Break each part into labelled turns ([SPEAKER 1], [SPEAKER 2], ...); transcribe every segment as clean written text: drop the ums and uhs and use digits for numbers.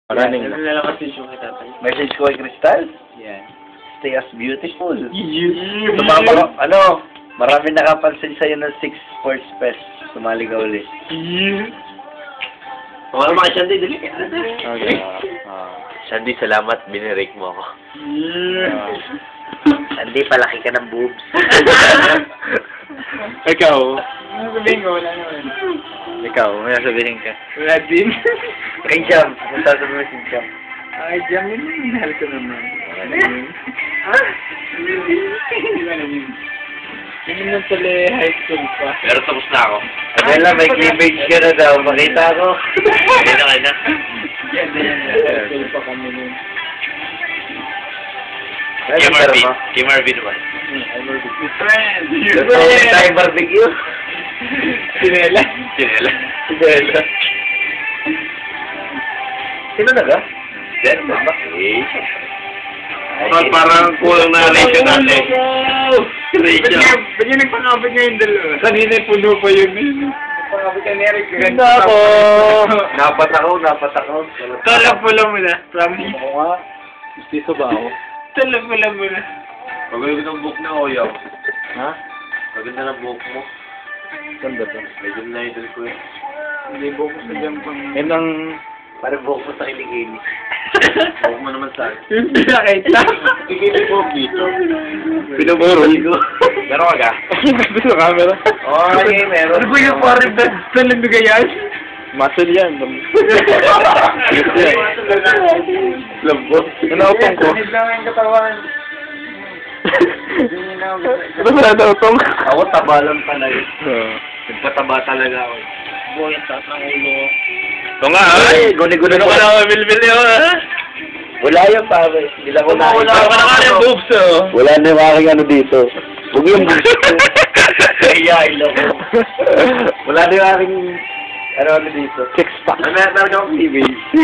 [SPEAKER 1] Maraming
[SPEAKER 2] Nalalakas yung kita tayo.
[SPEAKER 1] message ko kay Crystal.
[SPEAKER 2] Yeah.
[SPEAKER 1] Stay as beautiful. Tumama ka, marami nakapansin sa'yo ng 6 sports fest. Sumali ka ulit.
[SPEAKER 2] Kung ano mga Shandy, dali.
[SPEAKER 1] Okay.
[SPEAKER 3] Shandy, salamat. Binirake mo ako.
[SPEAKER 1] Hindi, palaki ka ng boobs.
[SPEAKER 2] Ikaw? Ano sabihin ko? Wala naman.
[SPEAKER 1] Ikaw, may sabihin ka.
[SPEAKER 2] Wala din.
[SPEAKER 1] Kay Jam, kung sasabihin mo si Jam.
[SPEAKER 2] Ay, Jam yun. Mahal ko naman. Hindi naman pala high school pa.
[SPEAKER 3] Pero tapos na ako.
[SPEAKER 1] Adela, may cleavage ka na daw. Makita ko.
[SPEAKER 3] Kaya na.
[SPEAKER 2] Yan, high school pa kami nun.
[SPEAKER 3] Kay Marvin naman.
[SPEAKER 2] I'm a good friend.
[SPEAKER 1] Gusto tayo barbecue?
[SPEAKER 2] Sinela.
[SPEAKER 3] Sinela.
[SPEAKER 1] Sinela. Sino na ka?
[SPEAKER 3] Then, parang kulang na ratio natin. Ratio.
[SPEAKER 2] Ba't yung nagpangabot nga yung dalawa? Kanina puno pa yun. Nagpangabot ka ni Eric.
[SPEAKER 1] Ganda ako! Napat ako.
[SPEAKER 2] Tala mo na. Promise.
[SPEAKER 1] Ako nga. Gusto ba ako?
[SPEAKER 2] Tala mo na.
[SPEAKER 3] Pagawin ng book na Oyaw.
[SPEAKER 1] Ha?
[SPEAKER 3] Paganda ng book mo.
[SPEAKER 1] Saan ba ito?
[SPEAKER 3] Medyo na-idol ko eh.
[SPEAKER 2] Hindi ko sa dyan pang...
[SPEAKER 1] Yan ang... Parang buhok mo sa kiligini.
[SPEAKER 3] Book mo naman sa akin.
[SPEAKER 2] Yung pinakita.
[SPEAKER 3] Tigil yung book dito.
[SPEAKER 1] Pinumurol ko.
[SPEAKER 3] Meron ka ga?
[SPEAKER 2] Gusto sa camera.
[SPEAKER 1] Okay, meron.
[SPEAKER 2] Ano ba yung parang talang dugayan?
[SPEAKER 1] Muscle yan. Labo. Nanautong ko.
[SPEAKER 2] Hindi lang yung katawan.
[SPEAKER 1] Ano ba nanautong? Ako tabalan pala yun. Nagpataba talaga ako.
[SPEAKER 2] Buhay sa ng ulo.
[SPEAKER 3] Ito nga, ha?
[SPEAKER 1] Ay, guni-guni
[SPEAKER 3] Ano ka na mamilmil yun, ha?
[SPEAKER 1] Wala yan, pare. Hindi lang ko na.
[SPEAKER 3] Wala ka na nga yung boobs, oh.
[SPEAKER 1] Wala na yung aking ano dito. Huwag yung boobs ko. Kayain ako. Wala na yung aking ano dito. Six pack.
[SPEAKER 3] Meron akong TV.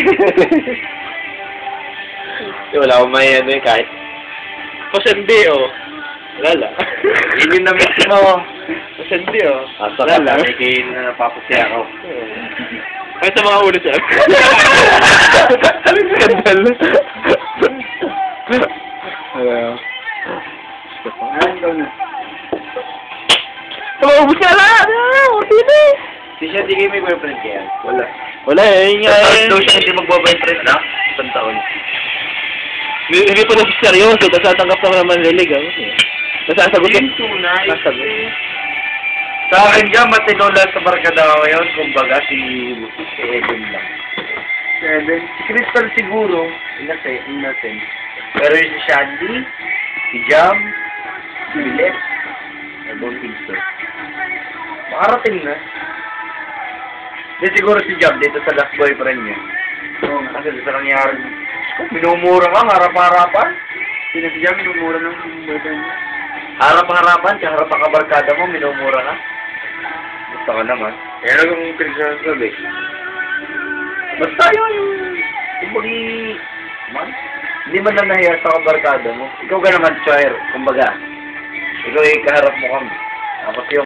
[SPEAKER 3] Wala akong may ano eh, kahit. Pasandi, oh. Wala lang.
[SPEAKER 1] Yun yung na-mix mo.
[SPEAKER 3] Pasandi, oh.
[SPEAKER 1] Asa ka lang. Kaya napapasya ako.
[SPEAKER 3] Kahit sa mga ulo siya.
[SPEAKER 1] Skandal. Ano?
[SPEAKER 2] Tumabos ka lang!
[SPEAKER 1] Si siya, di kayo may boyfriend kaya? Wala.
[SPEAKER 2] Wala eh, yun nga eh.
[SPEAKER 1] Daw siya hindi magbo-boyfriend na? Isang taon.
[SPEAKER 2] Hindi pa na seryoso, tapos tatanggap naman lilig. Nasasagot ka. Nasasagot.
[SPEAKER 1] Sa akin dyan, matino lang sa barkada ko ngayon. Kumbaga, si Evan lang. Si Evan? Si Crystal siguro. Innocent. Pero yung si Shandy, si Jam, si Billet, I don't think so. Makarating na. Hindi siguro si Jam dito sa last boyfriend niya. Kasi sa nangyari, minumura ka, harap-harapan.
[SPEAKER 2] Sino si Jam, minumura ng boyfriend niya?
[SPEAKER 1] Harap-harapan, kaharap ang kabarkada mo, minumura ka. Gusto ka naman.
[SPEAKER 3] Kaya nung pinagsasabi.
[SPEAKER 1] Basta yung kumbaga, man, hindi man lang nahiya sa kabarkada mo. Ikaw ka naman, Choir, kumbaga. Ikaw ay kaharap mo kami. Tapos yung